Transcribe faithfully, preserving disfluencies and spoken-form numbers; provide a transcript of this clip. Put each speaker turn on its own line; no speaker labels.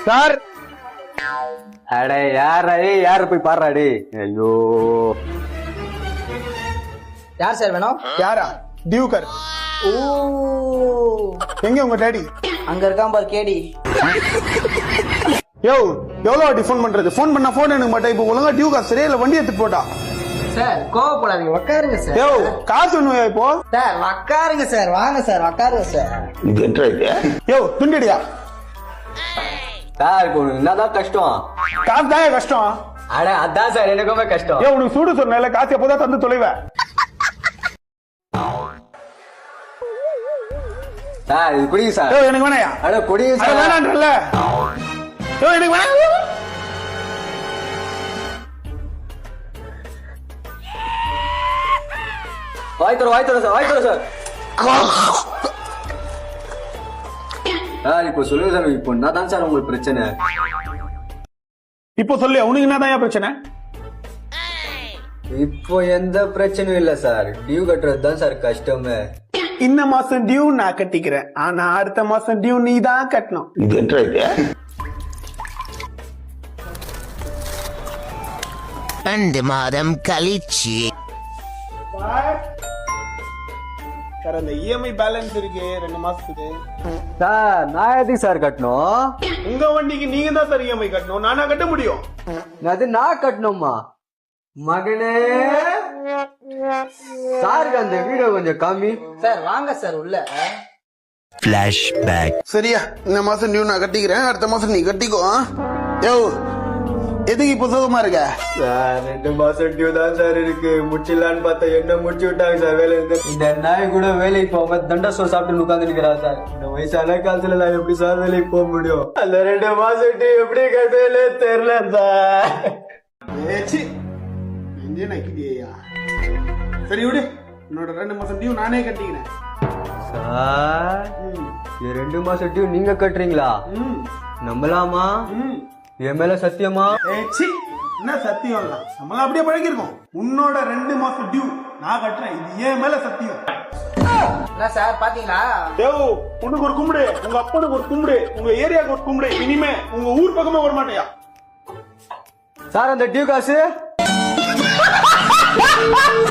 Sir
அடே யாரா யாரு போய் பாடுறாடி. ஐயோ
யார் சார் வேணும்?
யாரா? டியூக்கர்.
ஓ
எங்க உங்க டேடி?
அங்க இருக்கான் பாரு கேடி.
யோ எவ்வளவு வாட்டி ஃபோன் பண்றது? ஃபோன் பண்ணா ஃபோன் எனக்கு மாட்டேன். இப்போ ஒழுங்கா டியூக்கர் சரியா இல்ல வண்டி எடுத்துட்டு போட்டா.
சார் கோவப்படாதீங்க, உட்காருங்க சார்.
யோ காசு ஒண்ணுயா இப்போ?
சார் உட்காருங்க சார், வாங்க சார் உட்காருங்க சார்.
யோ துண்டிடியா
சார் இப்போ உனக்கு என்னதான் கஷ்டம்?
காசு தான் கஷ்டம்.
அட அதான் சார் எனக்குமே கஷ்டம்.
யோ உனக்கு சூடு சொன்ன காசு எப்போதான் தந்து தொலைவ.
சார் இது குடிங்க சார்.
யோ எனக்கு வேணாயா?
அட குடிங்க சார்.
வேணான்றல. யோ எனக்கு வேணாம்.
வாய் தர வாய் தர சார் வாய் தர சார். சார் இப்போ சொல்லுங்க சார், இப்போ என்னதான் சார் உங்களுக்கு பிரச்சனை?
இப்போ சொல்லு உனக்கு என்னதான் பிரச்சனை?
இப்போ எந்த பிரச்சனையும் இல்ல சார், டியூ கட்டுறது தான் சார் கஷ்டமே.
இந்த மாசம் டியூ நான் கட்டிக்கிறேன், ஆனா அடுத்த மாசம் டியூ நீ தான் கட்டணும்.
ரெண்டு மாதம் கழிச்சு
சார் அந்த இஎம்ஐ பேலன்ஸ் இருக்கு ரெண்டு மாசத்துக்கு.
சார் நான் எதுக்கு சார் கட்டணும்?
உங்க வண்டிக்கு நீங்க தான் சார் இஎம்ஐ கட்டணும், நானா கட்ட முடியும்?
அது நான் கட்டணுமா? மகனே சாருக்கு அந்த வீடியோ கொஞ்சம் கம்மி.
சார் வாங்க சார் உள்ள.
Flashback.
சரியா இந்த மாசம் டியூ நான் கட்டிக்கிறேன், அடுத்த மாசம் நீ கட்டிக்கோ. யோ எதுக்கு இப்போ சுகமா இருக்க?
சார் ரெண்டு மாசம் டியூ தான் சார் இருக்கு, முடிச்சிடலான்னு பார்த்தா என்ன முடிச்சு விட்டாங்க சார் வேலை. இந்த நாய் கூட வேலைக்கு போகாம தண்டா சோறு சாப்பிட்டு உட்கார்ந்து நிக்கிறா சார். இந்த வயசான காலத்துல நான் எப்படி சார் வேலைக்கு போக முடியும்? அந்த ரெண்டு மாசம் டியூ எப்படி கட்டவே தெரியல சார்.
ஏச்சி நெஞ்சே நக்கிட்டியா. சரி விடு, என்னோட ரெண்டு மாசம் டியூ நானே கட்டிக்கிறேன்.
சார் இது ரெண்டு மாசம் டியூ நீங்க கட்டுறீங்களா? நம்பலாமா? என் மேல சத்தியமா?
ஏச்சி என்ன சத்தியம் இல்ல, நம்மள அப்படியே பழகிருக்கோம். உன்னோட ரெண்டு மாசம் டியூ நான் கட்டுறேன், இது ஏன் மேல சத்தியம்.
என்ன சார் பாத்தீங்களா?
தேவ் உனக்கு ஒரு கும்பிடு, உங்க அப்பனுக்கு ஒரு கும்பிடு, உங்க ஏரியாவுக்கு ஒரு கும்பிடு, இனிமே உங்க ஊர் பக்கமே வர மாட்டியா.
சார் அந்த டியூ காசு